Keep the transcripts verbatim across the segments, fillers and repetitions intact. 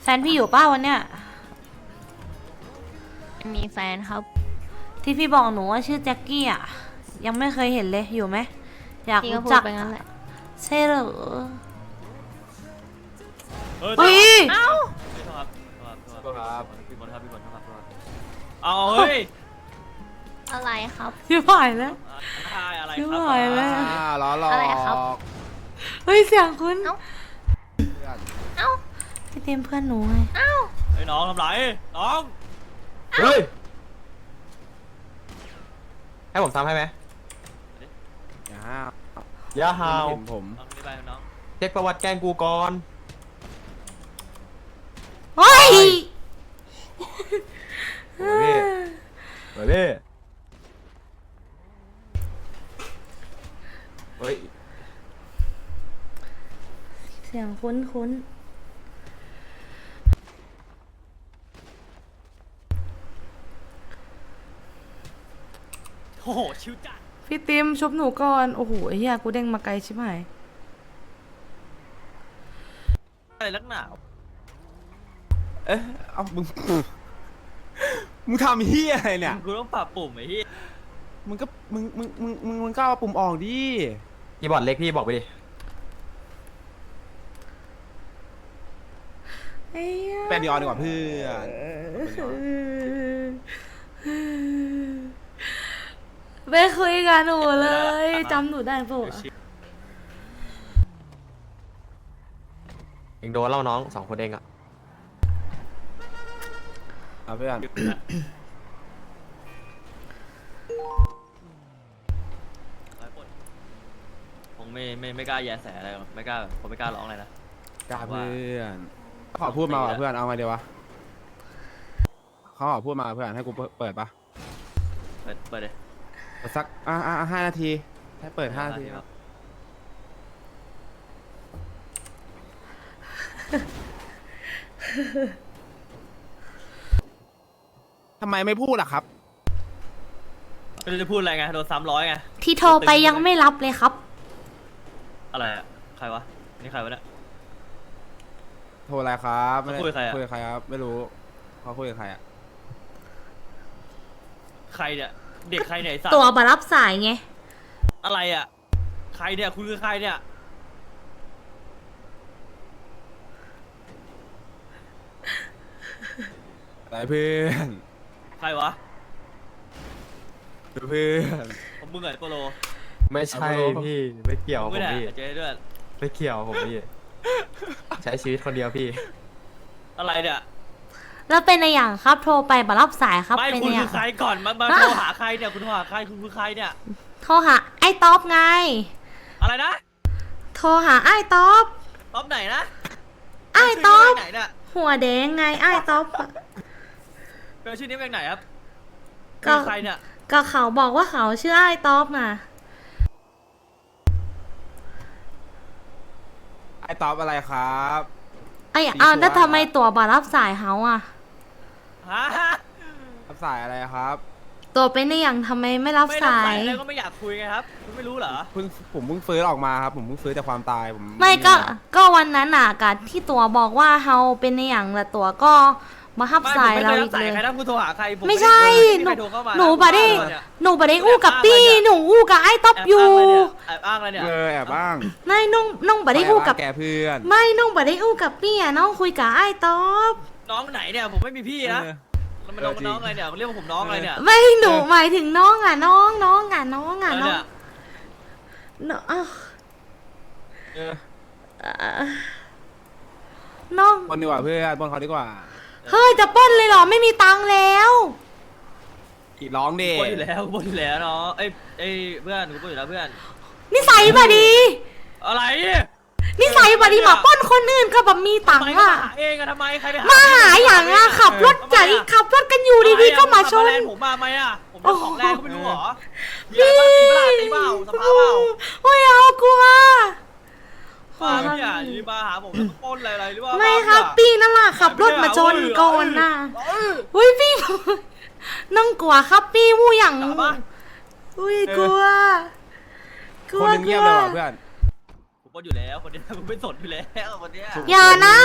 แฟนพี่อยู่ป้าวันเนี้ยมีแฟนครับที่พี่บอกหนูว่าชื่อแจ็คกี้อ่ะยังไม่เคยเห็นเลยอยู่ไหมอยากรู้จักไปงั้นแหละใช่เหรอเฮ้ยเอ้าครับครับพี่บอลครับพี่บอลครับเอาเฮ้ยอะไรครับพี่ผ่ายแล้วอะไรพี่ผ่ายแล้วล้อหลอกอะไรครับเฮ้ยเสียงคุณเอ้าเอ้าพี่เต็มเพื่อนหนูไงเอ้าไอ้น้องทำไรน้องเฮ้ยให้ผมทำให้ไหมอย่าห้าวอย่าห้าวผมเช็คประวัติแกงกูก่อนเฮ้ยเฮ้ยเฮ้ยเฮ้ยเสียงคุ้นคุ้นโอ้โหชิวจัดพี่ติมชุบหนูก่อนโอ้โหไอ้เหี้ยกูเด้งมาไกลชิบหายอะไรลักหนาวเอ๊ะเอามึงมึงทำเฮียอะไรเนี่ยกูต้องปรับปุ่มไอ้เฮียมึงก็มึงมึงมึงมึงมึงก็เอาปุ่มออกดิคีย์บอร์ดเล็กพี่บอกไปดิแปดดีออนดีกว่าเพื่อนไม่คุยกับหนูเลยจำหนูได้ปะเองโดนเล่าน้องสองคนเองอะเอาเพื่อนผมไม่ไม่ไม่กล้าแย่แสอะไรหรอกไม่กล้าผมไม่กล้าร้องอะไรนะกล้าเพื่อนขอพูดมาเพื่อนเอาไงเดียววะเขาขอพูดมาเพื่อนให้กูเปิดปะเปิดเปิดเลยสักอ่าอ่าห้านาทีให้เปิดห้านาทีครับทำไมไม่พูดล่ะครับไม่รู้จะพูดอะไรไงโดนซ้ำร้อยไงที่โทรไปยังไม่รับเลยครับอะไรอะใครวะนี่ใครวะเนี่ยโทรอะไรครับไม่คุยใครอะคุยใครครับไม่รู้เขาคุยกับใครอะใครเนี่ยเด็กใครเนี่ยสัตว์ตัวมารับสายไงอะไรอะใครเนี่ยคุณคือใครเนี่ยอะไรเพื่อนใครวะเพื่อนผมมึงไงโปโลไม่ใช่พี่ไม่เกี่ยวผมพี่เจ๊ด้วยไม่เกี่ยวผมพี่ใช้ชีวิตคนเดียวพี่อะไรเนี่ยแล้วเป็นในอย่างครับโทรไปมารับสายครับไม่คุณคือใครก่อนมามาโทรหาใครเนี่ยคุณโทรหาใครคุณคือใครเนี่ยโทรหาไอ้ต๊อบไงอะไรนะโทรหาไอ้ต๊อบต๊อบไหนนะไอ้ต๊อบไหนเนี่ยหัวแดงไงไอ้ต๊อบเป็นชื่อนี้เป็นไหนครับก็ใครเนี่ยก็เขาบอกว่าเขาชื่อไอ้ต๊อบน่ะไอ้ต๊อบอะไรครับไอ้อ้าวแล้วทำไมตัวมารับสายเขาอ่ะรับสายอะไรครับตัวเป็นในอย่างทำไมไม่รับสายไม่รับสายแล้วก็ไม่อยากคุยไงครับคุณไม่รู้เหรอเพิ่งผมเพิ่งฟื้นออกมาครับผมเพิ่งฟื้นจากความตายผมไม่ก็ก็วันนั้นน่ะกับที่ตัวบอกว่าเขาเป็นในอย่างละตัวก็มาฮับสายเราอีกเลยใครนะคุณโทรหาใครไม่ใช่หนูหนูบัดดี้หนูบัดดี้อู้กับปี้หนูอู้กับไอ้ต๊อบอยู่แอบอ้างอะไรเนี่ยเออแอบอ้างไม่น้องน้องบัดดี้อู้กับแกเพื่อนไม่น้องบัดดี้อู้กับปี้อ่ะน้องคุยกับไอ้ต๊อบน้องไหนเนี่ยผมไม่มีพี่นะแล้วมันน้องน้องอะไรเนี่ยเรียกว่าผมน้องอะไรเนี่ยไม่หนูหมายถึงน้องอ่ะน้องน้องอ่ะน้องอ่ะน้องน้องน้องบนดีกว่าเพื่อนบนเขาดีกว่าเฮ้ยจะปล้นเลยเหรอไม่มีตังค์แล้วอีร้องดิปล้นอยู่แล้วปล้นอยู่แล้วเนาะเอ้ยเอ้ยเพื่อนกูปล้นอยู่แล้วเพื่อนนิสัยบดีอะไรนิสัยบดีมาปล้นคนอื่นก็แบบมีตังค์อ่ะเองอะทำไมใครไปหามาหาอย่างอ่ะขับรถใจขับรถกันอยู่ดีๆก็มาชนผมมาไหมอ่ะผมเป็นของแรงก็ไม่รู้หรอพี่ตีบ้าตีเปล่าสภาพเปล่าโอ้ยเอากลัวมาเนี่ยนี่มาหาผมแล้วปล้นอะไรหรือว่าไม่ครับพี่นั่นแหละขับรถมาชนก่อนน่ะอุ้ยพี่น้องกลัวครับพี่วู้อย่างอุ้ยกลัวกลัวกลัวเพื่อนผมปล้นอยู่แล้วคนนี้ผมไม่สนอยู่แล้วคนนี้อย่านะ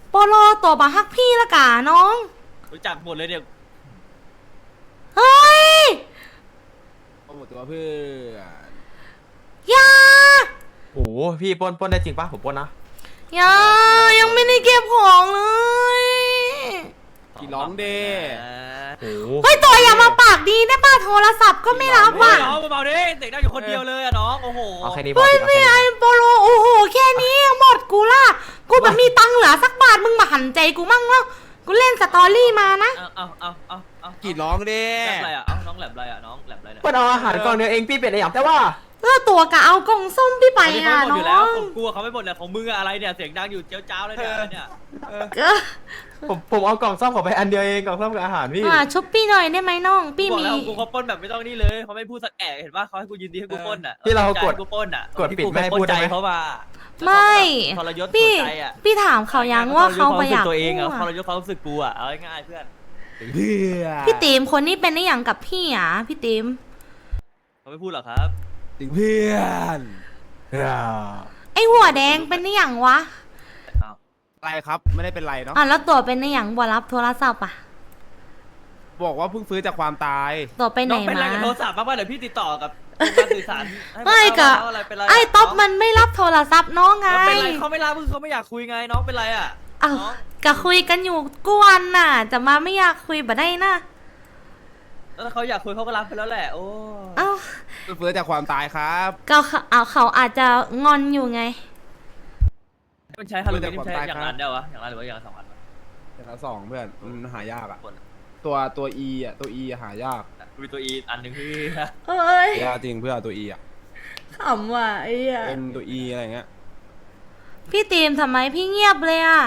โปโลตัวบาฮักพี่ละกาน้องรู้จักหมดเลยเนี่ยเฮ้ยเอาหมดตัวเพื่อนอย่าโอ้โหพี่ปล้นปล้นได้จริงปะผมปล้นนะอย่ายังไม่ได้เก็บของเลยกี่ร้องเด้โอ้โหเฮ้ยตัวอย่ามาปากดีได้ป่ะโทรศัพท์ก็ไม่รับเฮ้ว่ะยน้องเบาๆดิเด็กนั่งอยู่คนเดียวเลยอะน้องโอ้โหเอาแค่นี้พอเฮ้ยพี่เอาไม่แค่ไอนี้โปโลโอ้โหแค่นี้ยังหมดกูล่ะกูแบบมีตังค์เหลือสักบาทมึงมาหันใจกูมั่งแล้วกูเล่นสตอรี่มานะเอาเอาเอาเอาเอากี่ร้องเด้แหลบอะไรอะเอ้าน้องแหลบอะไรอะน้องแหลบอะไรเนี่ยปล้นเอาอาหารกล่องเดียวเองพี่เป็นอะไรอย่างแต่ว่าเออตัวกะเอากล่องส้มพี่ไปเขาอ่ะไม่หมดน้อยู่แล้วองผมกลัวเขาไม่หมดเลยของมึงอะอะไรเนี่ยเสียงดังอยู่เจ้าเจ้าเลยเนี่ยเนี่ยก็ผมผมเอากล่องซ่อมขอไปอันเดียวเองกล่องซ่อมกับอาหารพี่อ่าชุบพี่หน่อยได้ไหมน้องพี่บอกมีแล้วกูเขาปล้นแบบไม่ต้องนี่เลยเขาไม่พูดสักแอะเห็นป่ะเขาให้กูยินดีให้กูปล้นอะที่เรากดกูปล้นอะกดปิดไม่ให้พูดใจได้ไหมเขามาไม่ทรยศพี่หัวใจอะพี่ถามเขายังว่าเขาไปอยากตัวเองอะพูดทรยศความรู้สึกกูอะเอาง่ายๆเพื่อนเพื่อนพี่ตีมคนนี้เป็นได้อย่างกับพี่อ่ะพี่ตีมเขาไม่พูดหรอกครับถึงเพื่อนไอหัวแดงเป็นได้อย่างวะอ้าวอะไรครับไม่ได้เป็นไรเนาะอ่ะแล้วตัวเป็นได้อย่างบ่รับโทรศัพท์อ่ะบอกว่าเพิ่งฟื้นจากความตายตัวไปไหนน้องเป็นอะไรมากับโทรศัพท์บ้างป่ะเดี๋ยวพี่ติดต่อกับการสื่อสารให้ไม่กะเอาอะไรเป็นไรไอ้ต๊อบมันไม่รับโทรศัพท์น้องไงแล้วเป็นไรเขาไม่รับคือเขาไม่อยากคุยไงน้องเป็นไรอะอ้าวน้องก็คุยกันอยู่กวนน่ะ จะมาไม่อยากคุยบ่ได้นะแล้วถ้าเขาอยากคุยเขาก็รับไปแล้วแหละโอ้เอ้าเพิ่งฟื้นจากความตายครับก็เขาเอาเขาอาจจะงอนอยู่ไงมันใช้ฮาโลวีนมันใช้อย่างนั้นได้วะอย่างนั้นหรือว่าอย่างละสองอันวะแต่ละสองเพื่อนมันหายากอะคนตัวตัว E อ่ะตัว E อะหายากมีตัวอีอันหนึ่งที่เอ้ยหายากจริงเพื่อนตัว E อ่ะขำว่ะไอ้เหี้ยเป็นตัว E อะไรเงี้ยพี่ตีมทำไมพี่เงียบเลยอ่ะ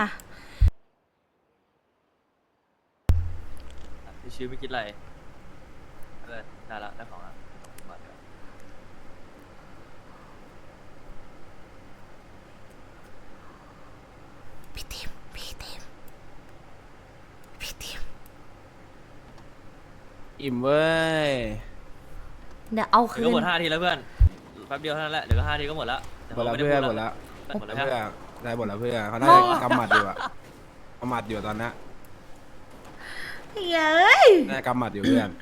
ชีวิตไม่คิดอะไรเออได้ละได้ของละมาเดี๋ยวพี่ตีมพี่ตีมพี่ตีมอิ่มเว้ยเดี๋ยวเอาเดี๋คืยวก็นหมดห้าทีแล้วเพื่อนแป๊บเดียวเท่านั้นแหละเดี๋ยวก็ห้าทีก็หมดละหมดแล้วเพื่อนหมดแล้วหมดแล้วเพื่เพื่ออนนได้หมดแล้วเพื่อนเขาน่าจะกำหมัดอยู่อะกำหมัดอยู่ตอนนี้เย้ยน่าจะกำหมัดอยู่เพื่อน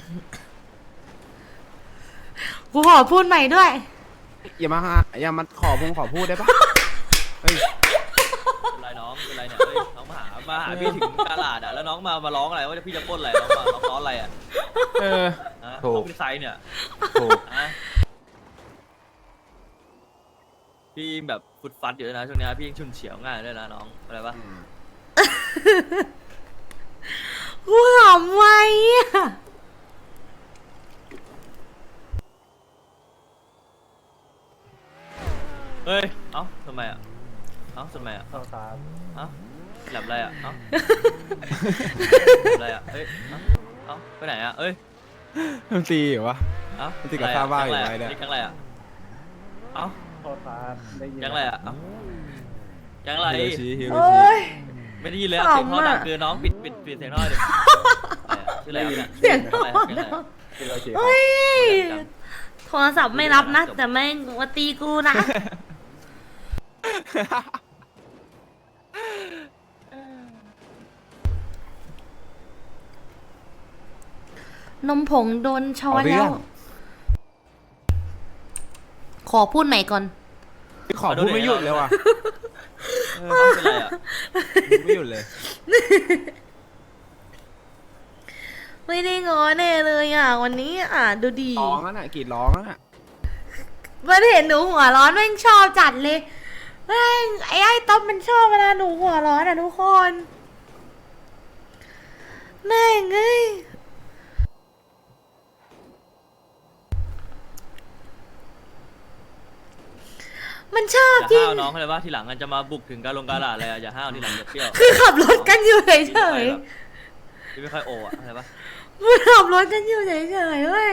กูขอพูดใหม่ด้วยอย่ามาฮะอย่ามาขอพงขอพูดได้ปะเฮ้ยเป็นไรน้องเป็นไรเนี่ยเฮ้ยน้องมาหามาหาพี่ถึงตลาดอ่ะแล้วน้องมามาร้องอะไรว่าพี่จะปล้นอะไรน้องมาน้องร้องอะไรอ่ะเออฮะถูกน้องเป็นไซเนี่ยถูกฮะพี่แบบฟุดฟัดอยู่ด้วยนะช่วงนี้พี่ยังชุนเฉียวง่ายด้วยนะน้องอะไรปะกูขำไว้อะเฮ้ยเอ้าทำไมอ่ะเอ้าทำไมอ่ะเอ้าเอ้าแหลบอะไรอ่ะเอ้าแหลบอะไรอ่ะเฮ้ยเอ้าเอ้าไปไหนอ่ะเอ้ยมันตีเหรอวะเอ้ามันติดกับข้าวบ้านอยู่ไหนเนี่ยนี่ยังไรอ่ะเอ้ายังไรอ่ะเอ้ายังไรฮิโรชิฮิโรโอ้ชิยไม่ได้ยินเลยอะเสียงท่อดังเกินน้องปิดปิดปิดเสียงท่อเลยชื่ออะไรครับเสียงชื่โทอรอะไรครับฮิโรชิเฮ้ยโทรศัพท์ไม่รับนะ แต่ไม่มาตีกูนะ นมผงโดนช้อนแล้ว ขอพูดใหม่ก่อนขอพูดไม่หยุดเลยว่ะเออเป็นไรอ่ะไม่หยุดเลยไม่ได้งอแน่เลยอ่ะ วันนี้อ่ะ ดูดีร้องนั่นน่ะกรีดร้องนั่นน่ะมันเห็นหนูหัวร้อนแม่งชอบจัดเลยแม่งไอ้ไอ้ต๊อบมันชอบเวลาหนูหัวร้อนอ่ะทุกคน แม่งเอ้ย มันชอบอย่าจริงห้าวน้องเขาเลยว่าทีหลังมันจะมาบุกถึงการลงการลาดอะไรอ่ะอย่าห้าวทีหลังอย่าเปรี้ยวคือขับรถกันอยู่เฉยพี่ไม่ค่อยโออ่ะอะไรปะๆมันขับรถกันอยู่เฉยๆเว้ย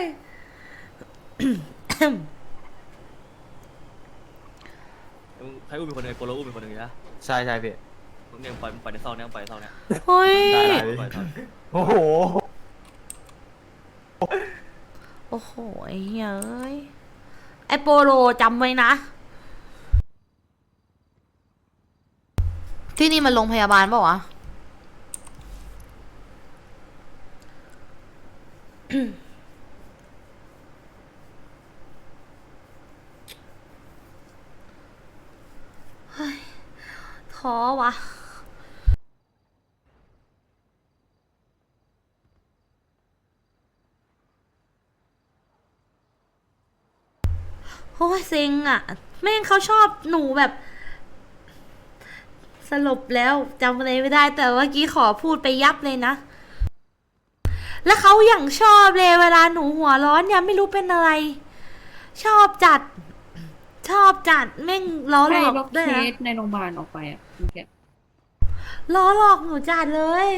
ใครอุ้มเป็นคนหนึ่งโปโลอุ้มเป็นคนหนึ่งนะใช่ใช่พี่มึงเนี่ยปล่อยมึงปล่อยในซองเนี่ยมึงปล่อยในซองเนี่ยเฮ้ยได้ได้ปล่อยในซองโอ้โหโอ้โห ไอ้เหี้ยเอ้ย ไอโปโลจำไว้นะที่นี่มันโรงพยาบาลเปล่าวะ เฮ้ยท้อวะ โอ้ยเซ็งอ่ะ แม่งเขาชอบหนูแบบ สรุปแล้วจำอะไรไม่ได้แต่เมื่อกี้ขอพูดไปยับเลยนะ แล้วเขาอย่างชอบเลยเวลาหนูหัวร้อนเนี่ยไม่รู้เป็นอะไร ชอบจัด ชอบจัดแม่งล้อหลใช่อกล็อกด้วยเคนะสในโรงพยาบาลออกไปอ่ะเมื่อกี้ล้อหลอกหนูจัดเลย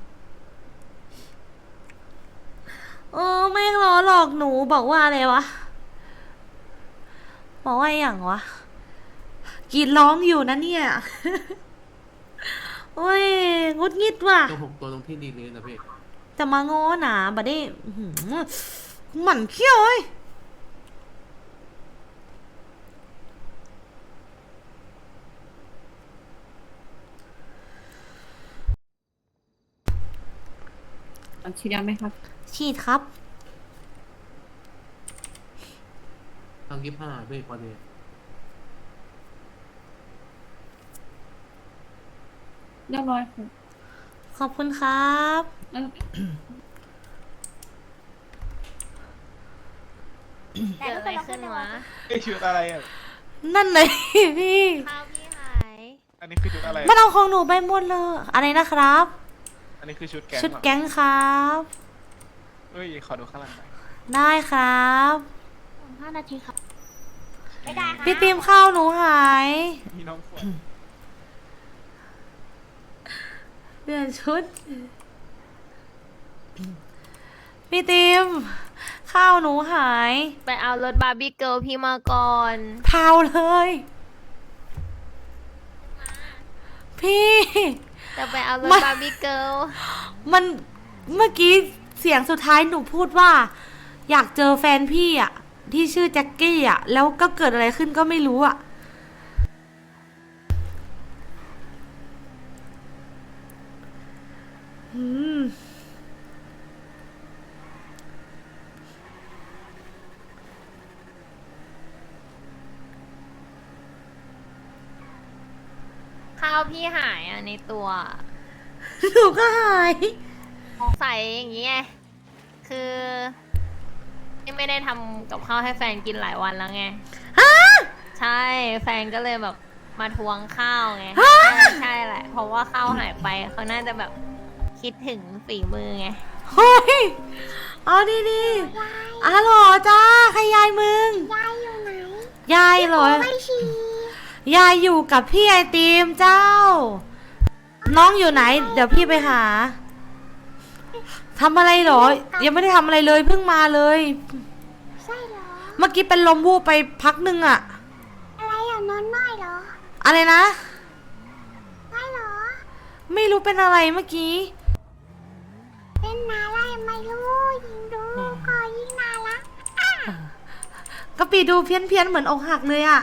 เออแม่งล้อหลอกหนูบอกว่าอะไรวะบอกว่าอย่างวะกรีดร้องอยู่นะเนี่ย โอ้ยงุดงิดว่ะตัวผมตัวตรงที่ดีนี้นะพี่จะมาง้อหนาบัดนี้อื้อหือหมั่นเขี้ยวเอ้ยอันฉีดยาไหมครับฉีดครับทางยี่ห้าพี่พอดีเรียบร้อยครับขอบคุณครับแล้วแต่อะไรขึ้นวะไอชุดอะไรอ่ะนั่นเลย พี่ข้าวพี่หายอันนี้คือชุดอะไรมันเอาของหนูไปหมดเลย อะไรนะครับอันนี้คือชุดแก๊งชุดเหรอแก๊งครับเอ้ย ขอดูข้างหลังหน่อยได้ครับห้านาทีครับไม่ได้ค่ะพี่ติมข้าวหนูหายมีน้องฝนเปลี่ยนชุด พี่ติมข้าวหนูหายไปเอารถบาร์บี้เกิร์ลพี่มาก่อนเผาเลย พี่จะไปเอารถมันบาร์บี้เกิร์ลมันเมื่อกี้เสียงสุดท้ายหนูพูดว่า อยากเจอแฟนพี่อ่ะ ที่ชื่อแจ็คกี้อ่ะ แล้วก็เกิดอะไรขึ้นก็ไม่รู้อ่ะ อืมข้าวพี่หายอ่ะในตัวหนูก็หายสงสัยอย่างเงี้ยคือที่ไม่ได้ทำกับข้าวให้แฟนกินหลายวันแล้วไงฮะใช่แฟนก็เลยแบบมาทวงข้าวไงใช่ใช่แหละ เพราะว่าข้าวหายไปเขาน่าจะแบบคิดถึงฝีมือไงเฮ้ยเอาดีดีๆอ๋อเหรอจ้าใครยายมึงยายอยู่ไหนยายเหรอไม่ชียายอยู่กับพี่ไอติมเจ้า น้องอยู่ไหน เดี๋ยวพี่ไปหาทำอะไรเหรอ ยังไม่ได้ทำอะไรเลยเพิ่งมาเลยใช่เหรอเมื่อกี้เป็นลมวูบไปพักหนึ่งอะอะไรอ่ะนอนไม่เหรออะไรนะไม่เหรอไม่รู้เป็นอะไรเมื่อกี้เป็นอะไรไม่รู้ยิงดูก็ยิ่งน่ารักกะปีดูเพี้ยนเพี้ยนๆเหมือนอกหักเลยอะ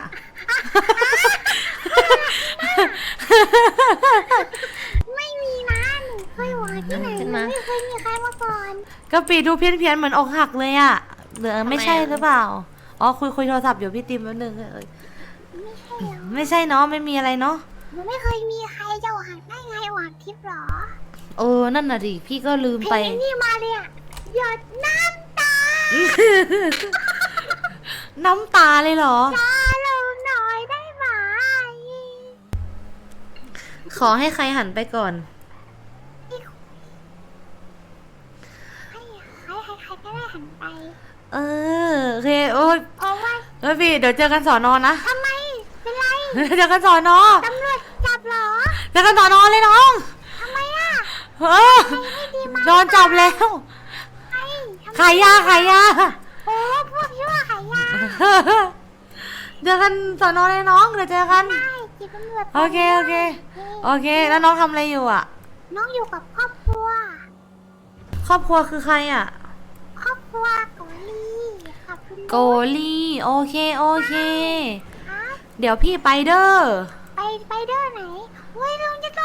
ไม่มีนะหนูเคยหวานที่ไหนไม่เคยมีใครมาก่อนกะปีดูเพี้ยนเพี้ยนๆเหมือนอกหักเลยอะหรือไม่ใช่หรือเปล่า อ๋อคุยคุยโทรศัพท์อยู่พี่ติมแป๊บนึงเอ้ยไม่ใช่เหรอไม่ใช่เนาะไม่มีอะไรเนาะหนูไม่เคยมีใครจะหวานได้ไงหวานทิพย์เหรอเออนั่นน่ะดิพี่ก็ลืมเพลไปงนี้มาเลยอ่ะหยดน้ำตาน้ำตาเลยเหรอตาเราหน่อยได้ไหมขอให้ใครหันไปก่อนให้ใครใครใครก็ได้หันไปเออโอเคโอ้ยเพราะว่าเอ้ยพี่เดี๋ยวเจอกันสอนอนะทำไมเป็นไรเจอกันสอนอตำรวจจับเหรอเจอกันสอนอเลยน้องทำไมอ่ะเออโดนจับแล้วไอ้ทำไมขายยาขายยาโอ้พวกชั่วขายยาเจอกันสอนอเลยน้องเดี๋ยวเจอกันได้จีบตำรวจโอเคโอเคโอเค แล้วน้องทำอะไรอยู่อ่ะน้องอยู่กับครอบครัวครอบครัวคือใครอ่ะครอบครัวโกลีกับคุณโกลี่โอเคโอเคครับเดี๋ยวพี่ไปเด้อไปไปเด้อไหนเว้ยลุงจะต้อง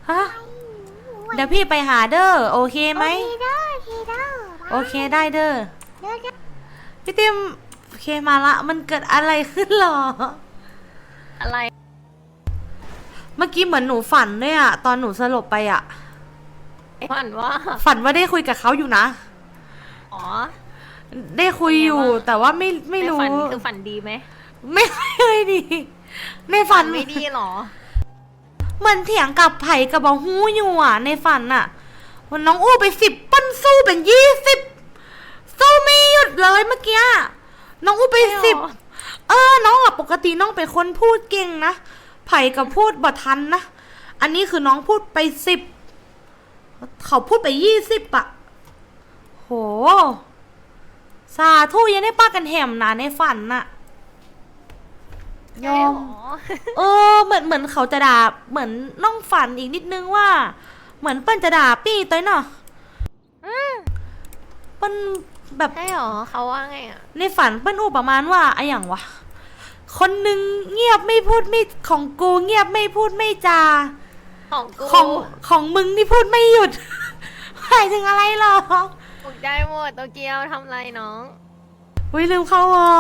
ฮะ เดี๋ยวพี่ไปหาเด้อโอเคไหมโอเคเด้อโอเคเด้อโอเคได้เด้อพี่ติมโอเคมาละ มันเกิดอะไรขึ้นหรออะไรเมื่อกี้เหมือนหนูฝันด้วยอะตอนหนูสลบไปอะฝันว่าฝันว่าได้คุยกับเขาอยู่นะอ๋อได้คุยอยู่เป็นไงบ้างแต่ว่าไม่ไม่ในรู้ฝันคือฝันดีไหมไม่เคยดี ในฝันไม่ดีหรอเหมือนเถียงกับไผ่กับบอฮู้อยู่อ่ะ ในฝันอ่ะวันน้องอู้ไปสิบปั้นสู้เป็นยี่สิบสู้ไม่หยุดเลยเมื่อกี้น้องอู้ไปไม่หรอสิบเออ น้องอ่ะปกติน้องเป็นคนพูดเก่งนะไผ่กับพูดบ่ทันนะอันนี้คือน้องพูดไปสิบเขาพูดไปยี่สิบอ่ะโหสาธุยังได้ป้ากันแหมนะในฝันน่ะยอมใช่หรอเออเหมือนเหมือนเขาจะด่าเหมือนน้องฝันอีกนิดนึงว่า เหมือนเปิ้ลจะด่าปี้ต้อยเนาะเปิ้ลแบบใช่หรอเขาว่าไงอ่ะในฝันเปิ้ลอู้ประมาณว่าไอ้อย่างวะคนหนึ่งเงียบไม่พูดไม่ของกูเงียบไม่พูดไม่จาของกูของของมึงนี่พูดไม่หยุด หมายถึงอะไรหรอตกใจหมดโตเกียวทำไรน้องอุ้ยลืมเข้าวอ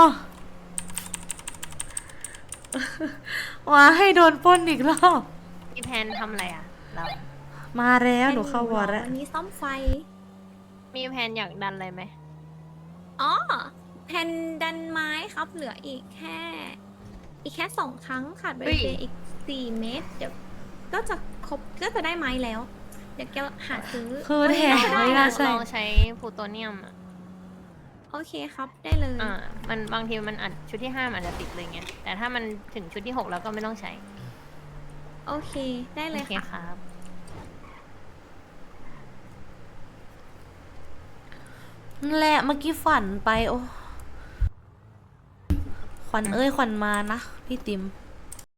ว่าให้โดนปล้นอีกรอบพี่แพนทำอะไรอ่ะ เรามาแล้วหนูเข้าวอแล้ววันนี้ซ่อมไฟมีแพนอยากดันอะไรไหมอ๋อ แผ่นดันไม้ครับ เหลืออีกแค่ อีกแค่สองครั้งขาดบริเวณอีกสี่เมตร เดี๋ยวก็จะครบก็จะได้ไม้แล้ว เดี๋ยวแกหาซื้อคือวันแถนี้มก็ได้ไม่นะน่าใช่ลองใช้พลูโตเนียมอ่ะโอเคครับ ได้เลยอ่า มันบางทีมันอาจชุดที่ห้ามันอาจจะติดเลยไง แต่ถ้ามันถึงชุดที่หกแล้วก็ไม่ต้องใช้โอเค ได้เลยโอเคค่ะครับนั่นแหละเมื่อกี้ฝันไปโอ้ขวัญเอ้ยขวัญมานะพี่ติม